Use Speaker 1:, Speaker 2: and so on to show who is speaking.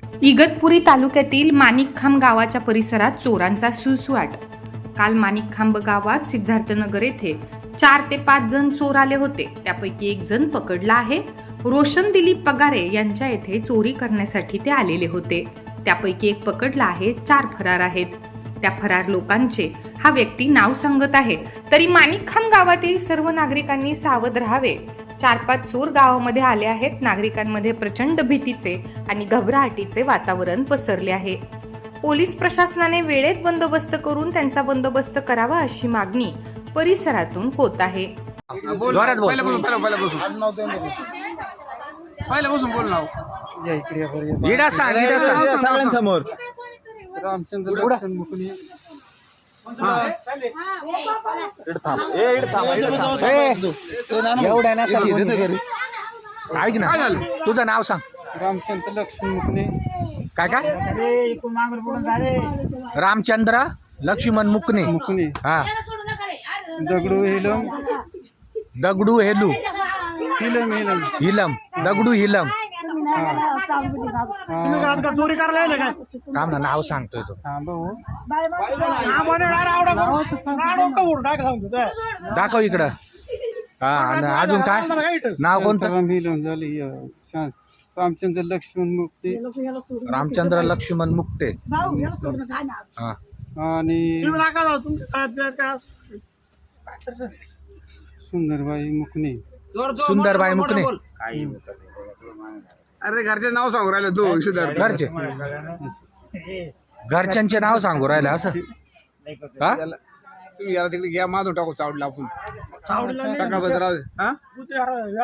Speaker 1: इगतपुरी तालुक्यातील माणिकखांब गावाच्या परिसरात चोरांचा सुळसुळाट। काल माणिकखांब गावात सिद्धार्थनगर येथे 4 ते 5 जण चोर आले होते। त्यापैकी एक जण पकडला आहे। रोशन दिलीप पगारे यांच्या येथे चोरी करण्यासाठी ते आलेले होते। त्यापैकी एक पकडला आहे, 4 फरार आहेत। त्या फरार लोकांचे हा व्यक्ती नाव सांगत आहे। तरी माणिकखांब गावातील सर्व नागरिकांनी सावध राहावे। 4-5 चोर गावामध्ये आले आहेत। नागरिकांमध्ये प्रचंड भीतीचे आणि घबराहटीचे वातावरण पसरले आहे। पोलीस प्रशासनाने वेळेत बंदोबस्त करून त्यांचा बंदोबस्त करावा अशी मागणी परिसरातून होत आहे।
Speaker 2: सगळ्यांसमोर
Speaker 3: रामचंद्र लक्ष्मण मुकणे
Speaker 2: एवढ्या ना ऐक ना, तुझं नाव सांग।
Speaker 3: रामचंद्र लक्ष्मण मुकणे
Speaker 2: काय काय? रामचंद्र लक्ष्मण मुकणे।
Speaker 3: मुकणे
Speaker 2: हा,
Speaker 3: दगडू हिलम
Speaker 2: दगडू हेलू
Speaker 3: हिलम हिलम
Speaker 2: हिलम दगडू हिलम।
Speaker 4: चोरी करायला काय
Speaker 2: थांब ना, नाव सांगतोय तो। दाखव इकडं। हा, आणि अजून काय नाव कोणतं?
Speaker 3: हिलम झाली रामचंद्र लक्ष्मण मुक्ते
Speaker 2: रामचंद्र लक्ष्मण मुक्ते। हा,
Speaker 3: आणि सुंदरबाई मुकणे
Speaker 2: सुंदरबाई मुकणे।
Speaker 4: अरे घरचे नाव सांगू राहिले तू।
Speaker 2: घरचे घरच्यांचे नाव सांगू राहिले असं हा?
Speaker 4: तुम्ही याला तिकडे घ्या, माधव टाकू चावडला आपण सकाळ बद्दल।